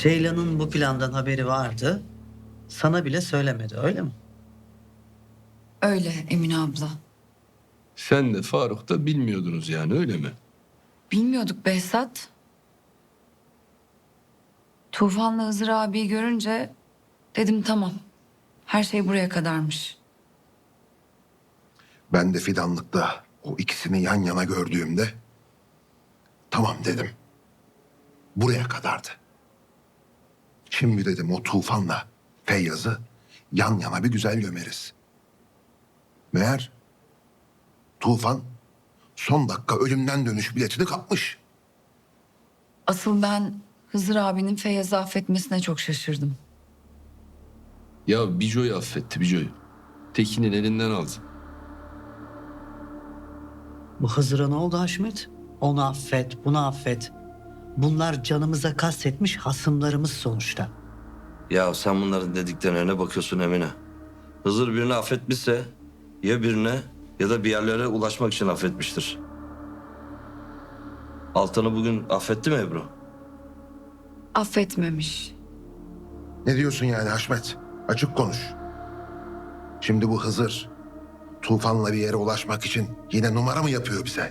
Ceylan'ın bu plandan haberi vardı. Sana bile söylemedi, öyle mi? Öyle Emine abla. Sen de Faruk da bilmiyordunuz yani, öyle mi? Bilmiyorduk Behzat. Tufan'la Hızır abiyi görünce dedim tamam. Her şey buraya kadarmış. Ben de fidanlıkta o ikisini yan yana gördüğümde tamam dedim. Buraya kadardı. Şimdi dedim o Tufan'la Feyyaz'ı yan yana bir güzel gömeriz. Meğer Tufan son dakika ölümden dönüş biletini kapmış. Asıl ben Hızır abinin Feyyaz'ı affetmesine çok şaşırdım. Ya Bico'yu affetti, Bico'yu. Tekin'in elinden aldı. Bu Hızır'a ne oldu Haşmet? Onu affet, bunu affet. Bunlar canımıza kastetmiş hasımlarımız sonuçta. Ya sen bunların dediklerine bakıyorsun Emine. Hızır birini affetmişse ya birine ya da bir yerlere ulaşmak için affetmiştir. Altan'ı bugün affetti mi Ebru? Affetmemiş. Ne diyorsun yani Haşmet? Açık konuş. Şimdi bu Hızır Tufan'la bir yere ulaşmak için yine numara mı yapıyor bize?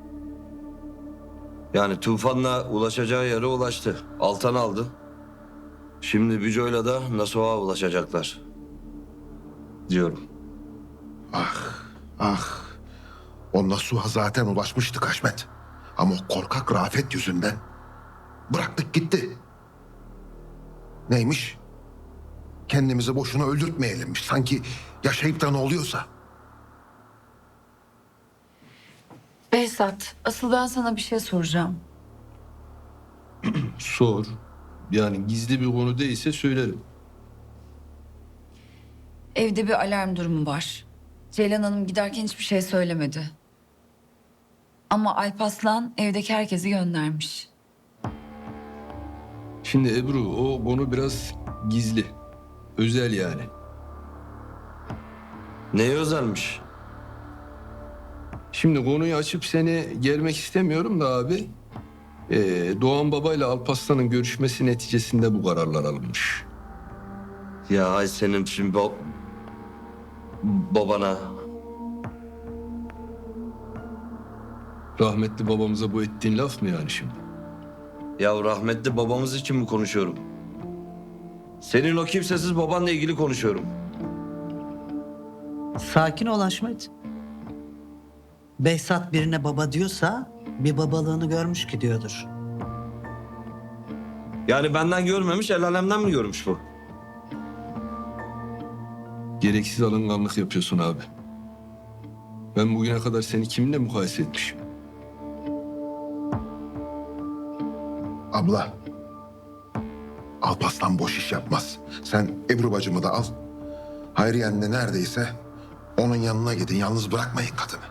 Yani Tufan'la ulaşacağı yere ulaştı. Altan aldı. Şimdi Bico'yla da Nasuh'a ulaşacaklar. Diyorum. Ah, o Nasuh'a zaten ulaşmıştık Haşmet. Ama o korkak Rafet yüzünden bıraktık gitti. Neymiş? Kendimizi boşuna öldürtmeyelimmiş. Sanki yaşayıp da ne oluyorsa. Behzat, asıl ben sana bir şey soracağım. Sor. Yani gizli bir konu değilse söylerim. Evde bir alarm durumu var. Ceylan Hanım giderken hiçbir şey söylemedi. Ama Alparslan evdeki herkesi göndermiş. Şimdi Ebru, o konu biraz gizli. Özel yani. Neye özelmiş? Şimdi konuyu açıp seni germek istemiyorum da abi. Doğan Baba ile Alparslan'ın görüşmesi neticesinde bu kararlar alınmış. Ya ay senin şimdi babana. Rahmetli babamıza bu ettiğin laf mı yani şimdi? Ya rahmetli babamız için mi konuşuyorum? Senin o kimsesiz babanla ilgili konuşuyorum. Sakin ol Haşmet. Behzat birine baba diyorsa bir babalığını görmüş ki diyordur. Yani benden görmemiş, el alemden mi görmüş bu? Gereksiz alınganlık yapıyorsun abi. Ben bugüne kadar seni kiminle mukayese etmişim? Abla. Alparslan boş iş yapmaz. Sen Ebru bacımı da al. Hayriyen de neredeyse onun yanına gidin. Yalnız bırakmayın kadını.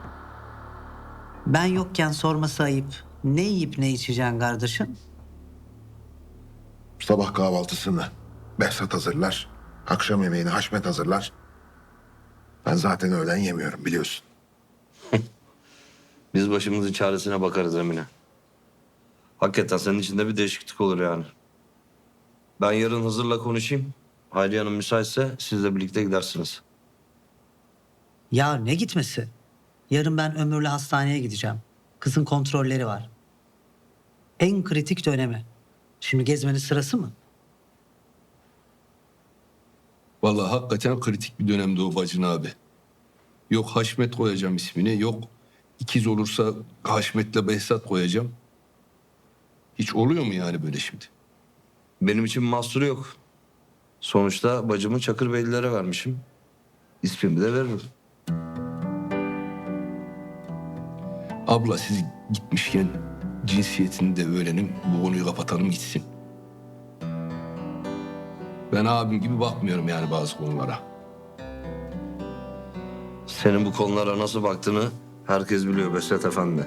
Ben yokken sorması ayıp. Ne yiyip ne içeceksin kardeşim? Sabah kahvaltısını Behzat hazırlar. Akşam yemeğini Haşmet hazırlar. Ben zaten öğlen yemiyorum biliyorsun. Biz başımızın çaresine bakarız Emine. Hakikaten senin içinde bir değişiklik olur yani. Ben yarın Hızır'la konuşayım. Hayriye Hanım müsaitse sizle birlikte gidersiniz. Ya ne gitmesi? Yarın ben Ömür'le hastaneye gideceğim. Kızın kontrolleri var. En kritik dönemi. Şimdi gezmenin sırası mı? Vallahi hakikaten kritik bir dönemde o bacın abi. Yok Haşmet koyacağım ismini, yok ikiz olursa Haşmet'le Behzat koyacağım. Hiç oluyor mu yani böyle şimdi? Benim için mahsuru yok. Sonuçta bacımı Çakırbeylilere vermişim. İsmimi de veririm. Abla siz gitmişken cinsiyetini de öğrenin, bu konuyu kapatalım gitsin. Ben abim gibi bakmıyorum yani bazı konulara. Senin bu konulara nasıl baktığını herkes biliyor Behzat Efendi.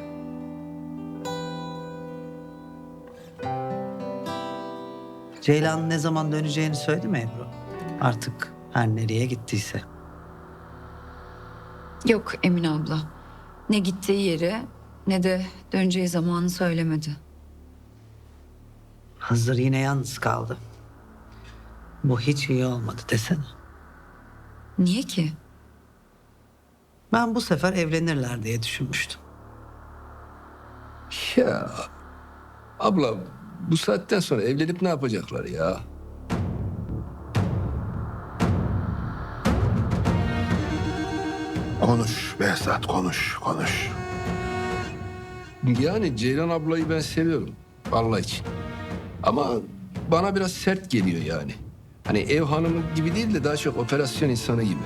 Ceylan ne zaman döneceğini söyledi mi Ebru? Artık her nereye gittiyse. Yok Emine abla. Ne gittiği yeri ne de döneceği zamanı söylemedi. Hızır yine yalnız kaldı. Bu hiç iyi olmadı desene. Niye ki? Ben bu sefer evlenirler diye düşünmüştüm. Ya abla bu saatten sonra evlenip ne yapacaklar ya? Konuş Behzat, konuş. Yani Ceylan ablayı ben seviyorum. Allah için. Ama bana biraz sert geliyor yani. Hani ev hanımı gibi değil de daha çok operasyon insanı gibi.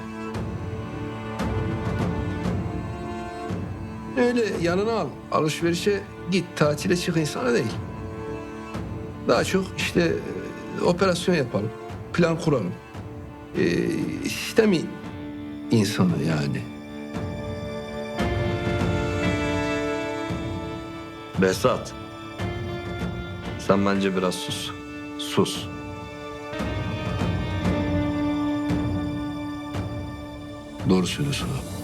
Öyle yanına al, alışverişe git, tatile çık insana değil. Daha çok işte operasyon yapalım, plan kuralım. Sistemi insanı yani. Behzat. Sen bence biraz sus. Sus. Doğru söylüyorsun abi.